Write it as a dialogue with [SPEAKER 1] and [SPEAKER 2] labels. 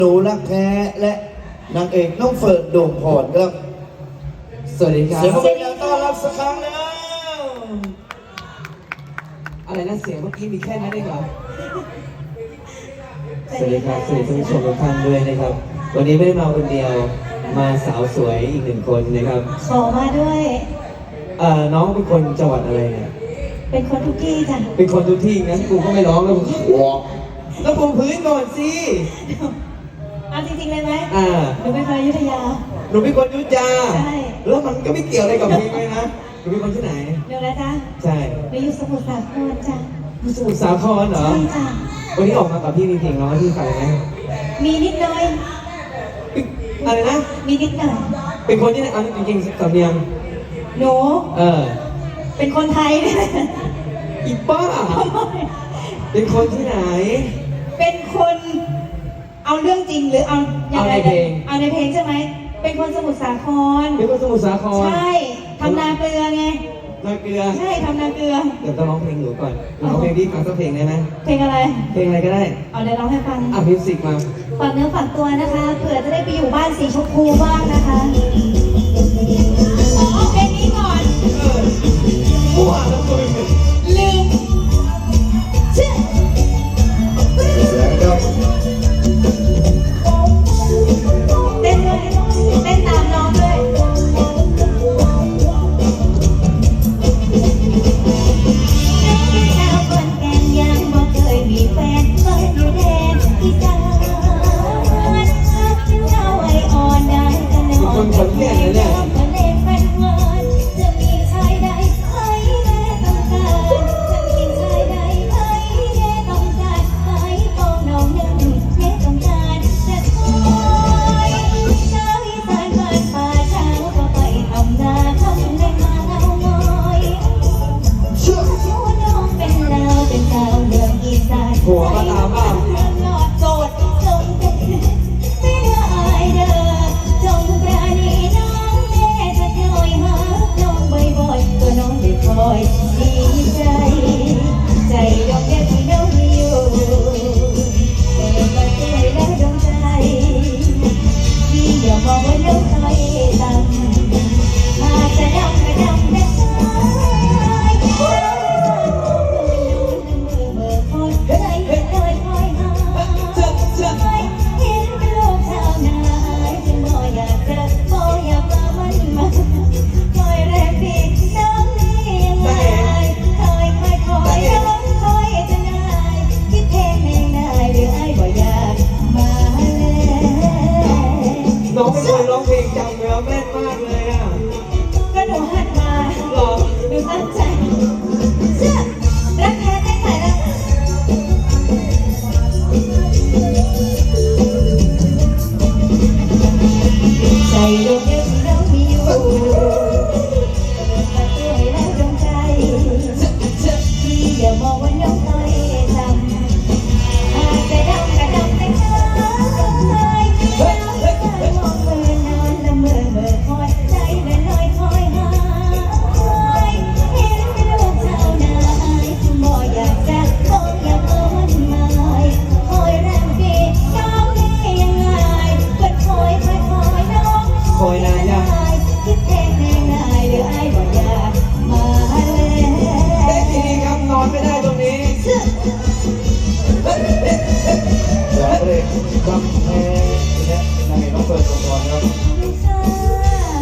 [SPEAKER 1] หนูรักแท้และนางเอกน้องเฟิร์นดวงพรครับ
[SPEAKER 2] สวัสดีครับ
[SPEAKER 1] เสียงปรบมือต้อนรับสักครั้งแล้ว
[SPEAKER 2] อะไรนะเสียงเมื่อกี้มีแค่นั้นเองเหรอสวัสดีครับสวัสดีท่านผู้ชมทุกท่านด้วยนะครับวันนี้ไม่ได้มาคนเดียวมาสาวสวยอีกหนึ่งคนนะครับ
[SPEAKER 3] ขอมาด้วย
[SPEAKER 2] น้องเป็นคนจังหวัดอะไรเนี่ย
[SPEAKER 3] เป็นคนทุกที่จ้ะ
[SPEAKER 2] เป็นคนทุกที่งั้นกูก็ไม่ร้องแล้วกูวอกแล้วปูพื้นก่อนสิ
[SPEAKER 3] เอาจริงๆเลยไหมหนูเป็นคนอยุธยา
[SPEAKER 2] หนูเป็นคนอยุธยา
[SPEAKER 3] ใช่
[SPEAKER 2] แล้วมันก็ไม่เกี่ยวอะไรกับเพลงเลยนะหนูเป็นคนที่ไหน
[SPEAKER 3] หนูนะจ๊ะ
[SPEAKER 2] ใช่
[SPEAKER 3] หนูอยู่สมุทรสาครจ้ะ
[SPEAKER 2] สมุทรสาครเหรอ
[SPEAKER 3] ใช่จ้ะ
[SPEAKER 2] วันนี้ออกมากับพี่มีเพลงร้องให้พี่ฟังไหม
[SPEAKER 3] มีนิดหน่อย
[SPEAKER 2] อะไรนะ
[SPEAKER 3] มีนิดหน่อย
[SPEAKER 2] เป็นคนที่ไหนจริงๆสำเนียง
[SPEAKER 3] หนูเป็นคนไทยเนี่ย
[SPEAKER 2] อีป้าเป็นคนที่ไหน
[SPEAKER 3] เป็นคนเอาเรื่องจริงหรือเอา
[SPEAKER 2] ในเพลง
[SPEAKER 3] เอาในเพลงใช่ไหมเป็นคนสมุทรสาคร
[SPEAKER 2] เป็นคนสมุทรสาคร
[SPEAKER 3] ใช่ทำนาเกลือไง
[SPEAKER 2] นาเกลือ
[SPEAKER 3] ใช่ทำนาเกลือ
[SPEAKER 2] เดี๋ยวต้องร้องเพลงหนูก่อนร้องเพลงพี่ฟังสักเพลงได้ไหม
[SPEAKER 3] เพลงอะไร
[SPEAKER 2] เพลงอะไรก็ได้
[SPEAKER 3] เอาเดี๋ยวร้องให้ฟัง
[SPEAKER 2] มิวสิกมา
[SPEAKER 3] ฝากเนื้อฝากตัวนะคะเผื่อจะได้ไปอยู่บ้านสีชมพูบ้างนะคะเพลงนี้ก่อน
[SPEAKER 2] ผู้อ่านแล้วตัวเป็น
[SPEAKER 3] ลืม
[SPEAKER 1] เสียงครับ
[SPEAKER 3] เต้นด้วยเต้นตามน้องด้วย
[SPEAKER 2] คนขอนแก่นเลยเนี่ยหัวก็ตามบ้าง
[SPEAKER 3] โสดจงเป็นไม่ละอายเด้อจงปราณีน้องแม่จะคอยหาน้องบ่อยๆตัวน้องได้คอยดีใจใจดอกแก้วที่น้องมีอยู่เปิดมาเจอแล้วดวงใจที่อย่ามองว่าน้องคอยต่ำมาจะดำไม่ดำไม่สาย
[SPEAKER 2] น้องเป็นคนร้องเพลงจำเนื้อแม่นมากเลยอ่ะ
[SPEAKER 3] ก็หนูหัดมา
[SPEAKER 2] หรอ
[SPEAKER 3] หนูตั้งใจเชื่อรักแท้ไม่ขายรักใจดวงเดียวที่เรามีอยู่มาเจอแล้วดวงใจที่อย่ามองว่าน้องน้อยทำอาจจะดำกระดำแต่คอยมองเมื่อนอนละเมื่อคอยใจละลอยคอยหาเห็นเป็นลูกชาวนาบ่อยากจะบ่อยากเอามันมาคอยแรมปีน้องนี่ยังไงก็คอยน้อง
[SPEAKER 2] คอยนานยัง
[SPEAKER 3] คิดแทงแน่นายหรือไอ้บ่อยากมาแล้ว
[SPEAKER 2] ได้ทีนี้ครับนอนไม่ได้ตรงนี้
[SPEAKER 1] จากเพลงคำแพงและนางเอกน้องเฟิร์นดวงพรครับ